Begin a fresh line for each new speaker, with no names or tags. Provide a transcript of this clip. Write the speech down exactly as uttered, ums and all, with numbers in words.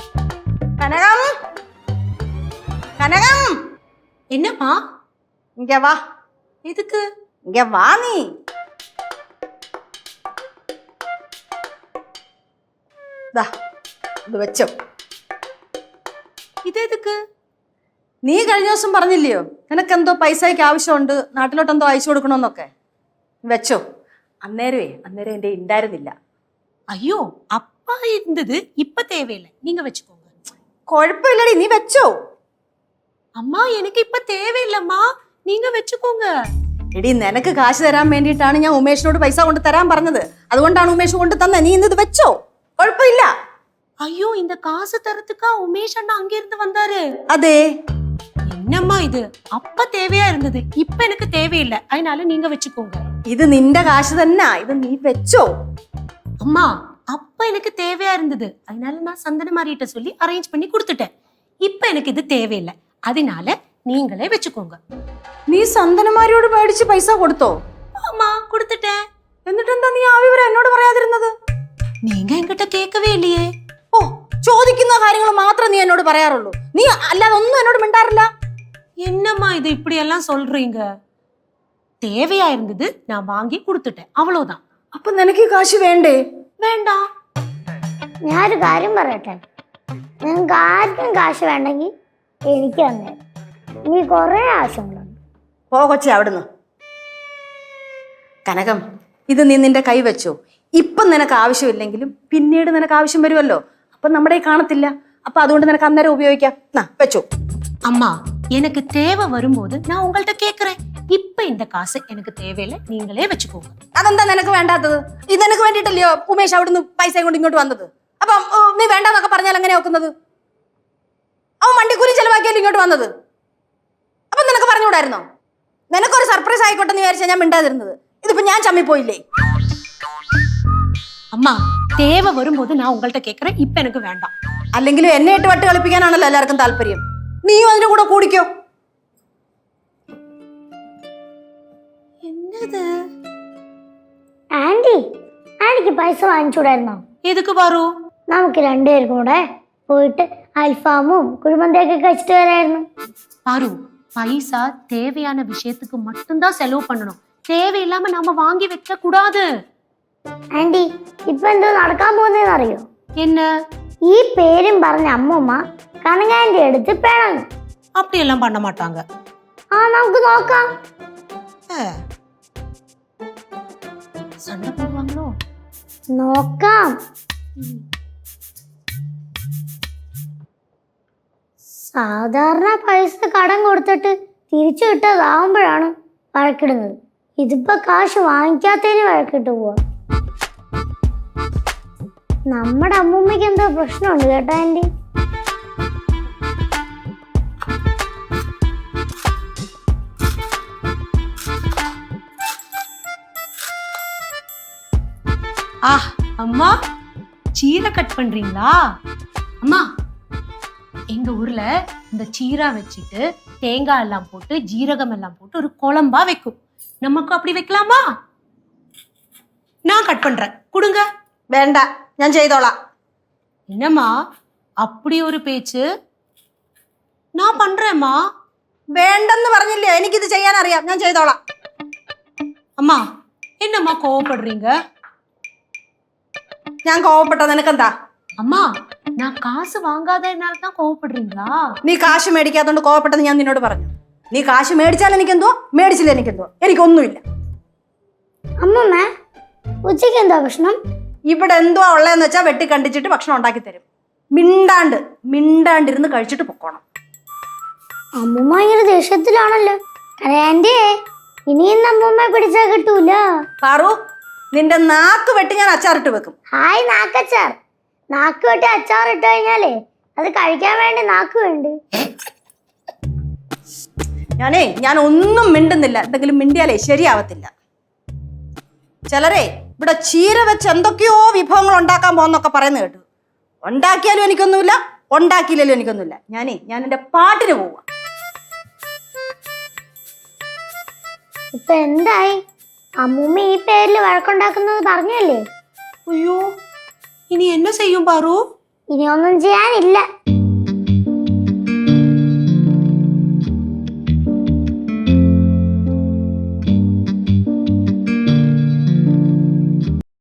കനകം കനകം
என்னம்மா
இங்க வா.
எதுக்கு?
இங்க வா நீ. ദാ ഇത് വെച്ചോ.
ഇതെതുക്ക്?
നീ കഴിഞ്ഞ ദിവസം പറഞ്ഞില്ലയോ നിനക്കെന്തോ പൈസയ്ക്ക് ആവശ്യമുണ്ട്, നാട്ടിലോട്ട് എന്തോ അയച്ചു കൊടുക്കണമെന്നൊക്കെ. വെച്ചോ. അന്നേരമേ അന്നേരം എൻ്റെ ഉണ്ടായിരുന്നില്ല.
ஐயோ அப்பா இருந்தது, இப்ப தேவையில்லை, நீங்க வச்சுக்கோங்க.
കുഴപ്പമില്ലടി, നീ വെച്ചോ.
அம்மா எனக்கு இப்ப தேவையில்லம்மா, நீங்க வச்சுக்கோங்க.
എടി നിനക്ക് കാശ് തരാൻ വേണ്ടിയിട്ടാണ് ഞാൻ ഉമേഷിനോട് പൈസ കൊണ്ട് തരാൻ പറഞ്ഞത്. അതുകൊണ്ടാണ് ഉമേഷ് കൊണ്ട് തന്നെ. നീ ഇന്നത് വെച്ചോ, കുഴപ്പമില്ല.
ஐயோ இந்த காசு தரத்துக்கா உமேஷ் அண்ணா அங்க இருந்து வந்தாரு?
അതെ.
என்னம்மா இது? அப்ப தேவையா இருந்தது, இப்ப எனக்கு தேவையில்லை, அதனால நீங்க வச்சுக்கோங்க.
ഇത് നിന്റെ കാശ് തന്നെ, ഇത് നീ വെച്ചോ.
அம்மா அப்ப எனக்கு தேவையா இருந்தது, அதனால நான் சந்தன மாறிட்ட சொல்லி அரேஞ்ச் பண்ணி கொடுத்துட்டேன். இப்ப எனக்கு இது தேவையில்லை, அதனால நீங்களே வச்சுக்கோங்க.
നീ സന്തനമാരിയോട് മേടിച്ച് പൈസ കൊടുത്തോ?
ஆமா கொடுத்துட்டேன்.
എന്നിട്ടെന്താ നീ ആ വിവരം എന്നോട് പറയാതിരുന്നത്?
நீங்க என்கிட்ட கேட்கவே இல்லையே.
ഓ, ചോദിക്കുന്ന കാര്യങ്ങൾ മാത്രം നീ എന്നോട് പറയാറുള്ളൂ. നീ അല്ലാതെ ഒന്നും എന്നോട് മിണ്ടാറില്ല.
என்னம்மா இது இப்படி எல்லாம் சொல்றீங்க? தேவையா இருந்தது, நான் வாங்கி கொடுத்துட்டேன், அவ்வளவுதான்.
അപ്പൊ നിനക്ക് ഈ കാശ് വേണ്ടേ?
வேண்டாம்.
ഞാനൊരു കാര്യം പറയട്ടെ, നിങ്ങൾക്ക് ആർക്കും കാശ് വേണ്ടെങ്കിൽ എനിക്ക് തന്നെ. നീ കുറെ ആവശ്യങ്ങളുണ്ട്.
പോ കൊച്ചേ അവിടുന്ന്. കനകം, ഇത് നീ നിന്റെ കൈ വെച്ചോ. ഇപ്പം നിനക്ക് ആവശ്യമില്ലെങ്കിലും പിന്നീട് നിനക്ക് ആവശ്യം വരുമല്ലോ. അപ്പൊ നമ്മുടെ കാണത്തില്ല. അപ്പൊ അതുകൊണ്ട് നിനക്ക് അന്നേരം ഉപയോഗിക്കാം. നാ വെച്ചോ.
அம்மா எனக்கு தேவை வரும்போது நான் உங்கள்கிட்ட கேக்குறேன். இப்ப இந்த காசு எனக்கு தேவையில்லை, நீங்களே வச்சுக்கோங்க.
അതെന്താ നിനക്ക് വേണ്ടാത്തത്? ഇത് നിനക്ക് വേണ്ടിയിട്ടല്ലയോ ഉമേഷ് അവിടുന്ന് പൈസ കൊണ്ട് ഇങ്ങോട്ട് വന്നത്. അപ്പം നീ വേണ്ടാന്നൊക്കെ പറഞ്ഞാൽ എങ്ങനെയാ നോക്കുന്നത്? അവൻ വണ്ടിക്കൂലി ചെലവാക്കിയാലും ഇങ്ങോട്ട് വന്നത്. അപ്പൊ നിനക്ക് പറഞ്ഞുകൂടായിരുന്നോ? നിനക്കൊരു സർപ്രൈസ് ആയിക്കോട്ടെ എന്ന് വിചാരിച്ചാൽ ഞാൻ മിണ്ടാതിരുന്നത്. ഇതിപ്പോ ഞാൻ ചമ്മിപ്പോയില്ലേ?
அம்மா தேவை வரும்போது நான் உங்கள்கிட்ட கேக்குறேன், இப்ப எனக்கு வேண்டாம்.
അല്ലെങ്കിലും എന്നെ ഇട്ട് വട്ട് കളിപ്പിക്കാനാണല്ലോ എല്ലാവർക്കും താല്പര്യം. നീയും അതിന്റെ കൂടെ കൂടിക്കോ.
என்னது?
ആന്റി, ആന്റിക്ക് പൈസ വാങ്ങിച്ചൂടായിരുന്നോ?
எதுக்கு பாரு?
നമുക്ക് രണ്ടുപേർക്കും കൂടെ പോയിട്ട് അൽഫാമും കുഴിമന്തിയൊക്കെ കഴിച്ചിട്ട് വരായിരുന്നു.
பாரு, பைசா தேவையான விஷயத்துக்கு மட்டும்தான் செலவு பண்ணணும், தேவையில்லாம நாம வாங்கி வைக்க கூடாது.
ആന്റി, ഇപ്പൊ എന്തോ നടക്കാൻ പോകുന്നതെന്ന് അറിയോ?
என்ன?
ഈ പേരും പറഞ്ഞ അമ്മൂമ്മ കനകാന്റെ അടുത്ത് പിണങ്ങും.
அப்படி எல்லாம் பண்ண மாட்டாங்க.
ആ നമുക്ക് നോക്കാം.
சண்டை போடுவாங்களோ?
നോക്കാം. സാധാരണ പൈസ കടം കൊടുത്തിട്ട് തിരിച്ചു കിട്ടാതാവുമ്പോഴാണ് വഴക്കിടുന്നത്. ഇതിപ്പോ കാശ് വാങ്ങിക്കാത്തതിന് വഴക്കിട്ട് പോവാ. നമ്മുടെ അമ്മൂമ്മയ്ക്ക് എന്തോ പ്രശ്നമുണ്ട് കേട്ടോ ആന്റി.
ஆ அம்மா, சீரை கட் பண்றீங்களா? அம்மா, எங்க ஊர்ல இந்த சீரா வச்சுட்டு தேங்காய் எல்லாம் போட்டு ஜீரகம் எல்லாம் போட்டு ஒரு குழம்பா வைக்கும். நமக்கு அப்படி வைக்கலாமா? நான் கட் பண்றேன், கொடுங்க.
വേണ്ട, ഞാൻ ചെയ്തോളാം.
என்னம்மா அப்படி ஒரு பேச்சு? நான் பண்றேம்மா.
വേണ്ടെന്ന് പറഞ്ഞില്ലേ? എനിക്കിത് ചെയ്യാൻ അറിയാം, ഞാൻ ചെയ്തോളാം.
அம்மா என்னம்மா கோவப்படுறீங்க?
ഞാൻ കോവപ്പെട്ട നിനക്കെന്താ?
அம்மா நான் காசு வாங்காதனால தான் கோவப்படுறீங்களா?
നീ കാശ് മേടിക്കാത്തോണ്ട് കോവപ്പെട്ടത് ഞാൻ നിന്നോട് പറഞ്ഞു. നീ കാശ് മേടിച്ചാൽ എനിക്കെന്തോ, മേടിച്ചില്ല എനിക്കെന്തോ, എനിക്കൊന്നുമില്ല.
അമ്മമ്മ, ഉച്ചയ്ക്ക് എന്താ ഭക്ഷണം?
ഇവിടെ എന്തോ ഉള്ളതെന്ന് വെച്ചാൽ വെട്ടി കണ്ടിച്ചിട്ട് ഭക്ഷണം ഉണ്ടാക്കി തരും. മിണ്ടാണ്ട് മിണ്ടാണ്ടിരുന്ന് കഴിച്ചിട്ട് പൊക്കോണം.
അമ്മൂമ്മ ഇങ്ങനെ ദേഷ്യത്തിലാണല്ലോ. ആന്റി, ഇനിയും അമ്മൂമ്മ പിടിച്ചാ കിട്ടൂല.
പാറു, നിന്റെ നാക്ക് വെട്ടി ഞാൻ അച്ചാറിട്ട് വെക്കും.
ഹായ് നാക്കച്ചാർ. നാക്ക് വെട്ടി അച്ചാർ ഇട്ട് കഴിഞ്ഞാലേ അത് കഴിക്കാൻ വേണ്ടി നാക്ക് വേണ്ട.
ഞാനേ ഞാൻ ഒന്നും മിണ്ടുന്നില്ല. എന്തെങ്കിലും മിണ്ടിയാലേ ശരിയാവത്തില്ല. ചിലരെ ഇവിടെ ചീര വെച്ച് എന്തൊക്കെയോ വിഭവങ്ങൾ ഉണ്ടാക്കാൻ പോകുന്നൊക്കെ പറയുന്നത് കേട്ടു. ഉണ്ടാക്കിയാലും എനിക്കൊന്നുമില്ല, ഉണ്ടാക്കിയില്ലാലും എനിക്കൊന്നുമില്ല. ഞാനേ ഞാൻ എൻ്റെ പാട്ടിന് പോവാ.
ഇപ്പൊ എന്തായി? അമ്മൂമ്മ ഈ പേരിൽ വഴക്കുണ്ടാക്കുന്നത് പറഞ്ഞല്ലേ?
ஐயோ, இனி என்ன செய்யும் பாரு?
ഇനിയൊന്നും ചെയ്യാനില്ല.